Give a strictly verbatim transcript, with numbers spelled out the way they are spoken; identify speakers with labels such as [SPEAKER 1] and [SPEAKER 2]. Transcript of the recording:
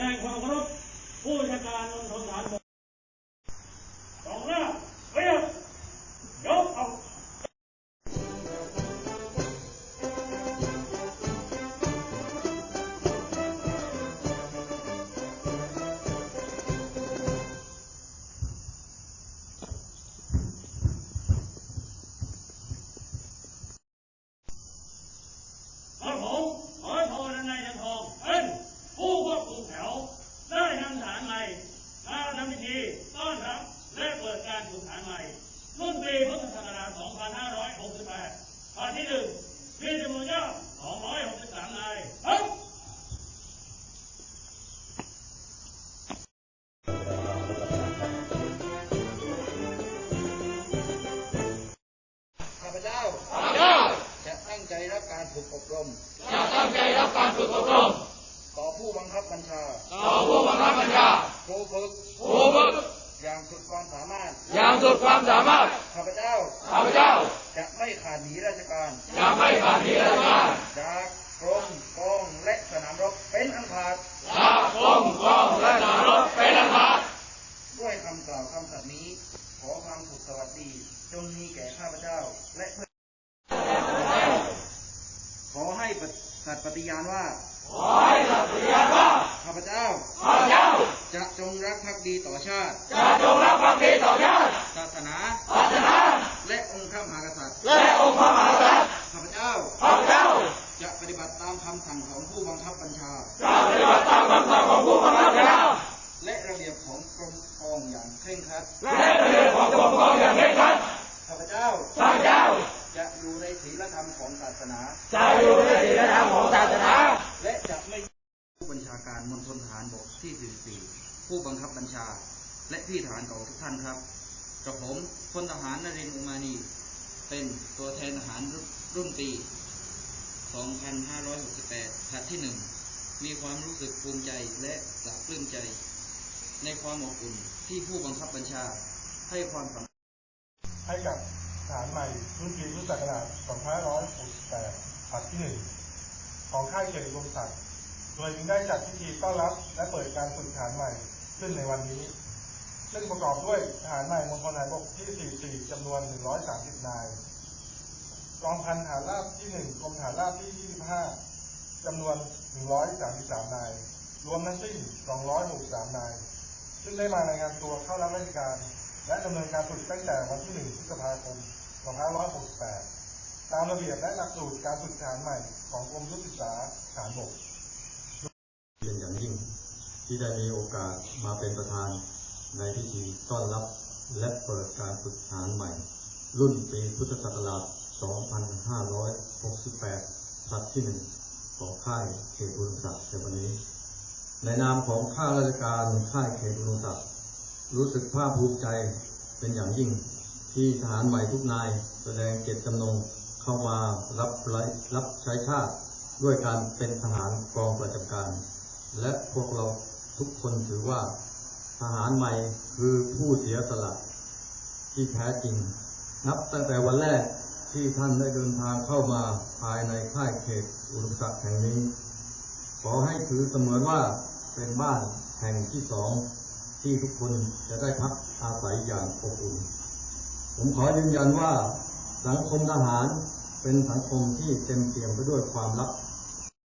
[SPEAKER 1] งความเคารพผู้บัญชาการมณฑลทหารบกสองหน้าเรียบยกเอารุ่นปีพุทธศักราช สองพันห้าร้อยหกสิบแปด ภาคที่หนึ่งมีจำนวนยอด สองร้อยหกสิบสาม นายครับ
[SPEAKER 2] ข้าพเจ้าข้าพเจ้าจะตั้งใจรับการฝึกอบรม
[SPEAKER 3] จะตั้งใจรับการฝึกอบรม
[SPEAKER 2] ต่อผู้บังคับบัญชา
[SPEAKER 3] ต่อผู้บังคับบัญชา
[SPEAKER 2] ครูฝึก
[SPEAKER 3] ครูฝึก
[SPEAKER 2] อย่างสุดความสามารถ
[SPEAKER 3] อย่างสุดความสามารถ
[SPEAKER 2] ข้าพเจ้า
[SPEAKER 3] ข้าพเจ้า
[SPEAKER 2] จะไม่ขาดหนีราชการ
[SPEAKER 3] จะไม่ขาดหนีราชการ
[SPEAKER 2] จากกรมกองและสนามรบเป็นอันขาด
[SPEAKER 3] จากกรมกองและสนามรบเป็นอันขาด
[SPEAKER 2] ด้วยคำกล่าวคำสัตย์นี้ขอความสุขสวัสดีจงมีแก่ข้าพเจ้าและเพื่อนขอให้สัตย์ปฏิญาณว่า
[SPEAKER 3] ขอให้สัตย์ปฏิญาณว่า
[SPEAKER 2] ข้าพเจ้า
[SPEAKER 3] ข้าพเจ้า
[SPEAKER 2] จะจงรักภักดีต่อชาติ
[SPEAKER 3] จะจงรักภักดีต่อชาติ
[SPEAKER 2] ศาสนา
[SPEAKER 3] ศาสนา
[SPEAKER 2] และองค์พระมหากษัตริย์
[SPEAKER 3] และองค์พระมหากษัตริย์
[SPEAKER 2] ข้าพเจ้า
[SPEAKER 3] ข้าพเจ้า
[SPEAKER 2] จะปฏิบัติตามคำสั่งของผู้บังคับบัญชา
[SPEAKER 3] จะปฏิบัติตามคำสั่งของผู้บังคับบัญชา
[SPEAKER 2] และระเบียบของกรมกองอย่างเคร่งครัด
[SPEAKER 3] และระเบียบของกรมกองอย่างเคร่งครัด
[SPEAKER 2] ข้าพเจ้า
[SPEAKER 3] ข้าพเจ้า
[SPEAKER 2] จะอยู่ในศีลธรรมของศาสนา
[SPEAKER 3] จะอยู่ในศีลธรรมของศาสนา
[SPEAKER 2] และจะไม่ผู้บัญชาการมณฑลทหารบกที่สี่สิบสี่ผู้บังคับบัญชาและพี่ทหารเก่าทุกท่านครับกระผมพลทหารนรินทร์อุมานีเป็นตัวแทนทหารรุ่นปี สองพันห้าร้อยหกสิบแปด ผลัดที่หนึ่งมีความรู้สึกภูมิใจและปลาบปลื้มใจในความอบอุ่นที่ผู้บังคับบัญชาให้ความสำคัญ
[SPEAKER 4] ให้กับทหารใหม่รุ่นปีพุทธศักราช สองพันห้าร้อยหกสิบแปด ผลัดที่หนึ่งของค่ายเกียรติวงศ์ศักดิ์โดยจึงได้จัดพิธีต้อนรับและเปิดการฝึกทหารใหม่ขึ้นในวันนี้ซึ่งประกอบด้วยทหารใหม่มณฑลทหารบกที่ สี่สิบสี่ จำนวน หนึ่งร้อยสามสิบ นายกองพันทหารราบที่ หนึ่ง กรมทหารราบที่ ยี่สิบห้า จำนวน หนึ่งร้อยสามสิบสาม นายรวมทั้งสิ้น สองร้อยหกสิบสาม นายซึ่งได้มารายงานตัวเข้ารับราชการและดำเนินการฝึกตั้งแต่วันที่ หนึ่ง พฤษภาคม สองพันห้าร้อยหกสิบแปด ตามระเบียบและหลักสูตรการฝึกทหารใหม่ของกรมยุทธศึกษาทหารบก
[SPEAKER 5] เป็นอย่างยิ่งที่ได้มีโอกาสมาเป็นประธานในพิธีต้อนรับและเปิดการฝึกทหารใหม่รุ่นปีพุทธศักราช สองพันห้าร้อยหกสิบแปด ผลัดที่หนึ่งของค่ายเขตอุดมศักดิ์ในวันนี้ในนามของข้าราชการค่ายเขตอุดมศักดิ์รู้สึกภาคภูมิใจเป็นอย่างยิ่งที่ทหารใหม่ทุกนายแสดงเจตจำนงเข้ามารับรับใช้ชาติด้วยการเป็นทหารกองประจำการและพวกเราทุกคนถือว่าทหารใหม่คือผู้เสียสละที่แท้จริงนับตั้งแต่วันแรกที่ท่านได้เดินทางเข้ามาภายในค่ายเขตอุดมศักดิ์แห่งนี้ขอให้ถือเสมือนว่าเป็นบ้านแห่งที่สองที่ทุกคนจะได้พักอาศัยอย่างอบอุ่นผมขอยืนยันว่าสังคมทหารเป็นสังคมที่เต็มเปี่ยมไปด้วยความรัก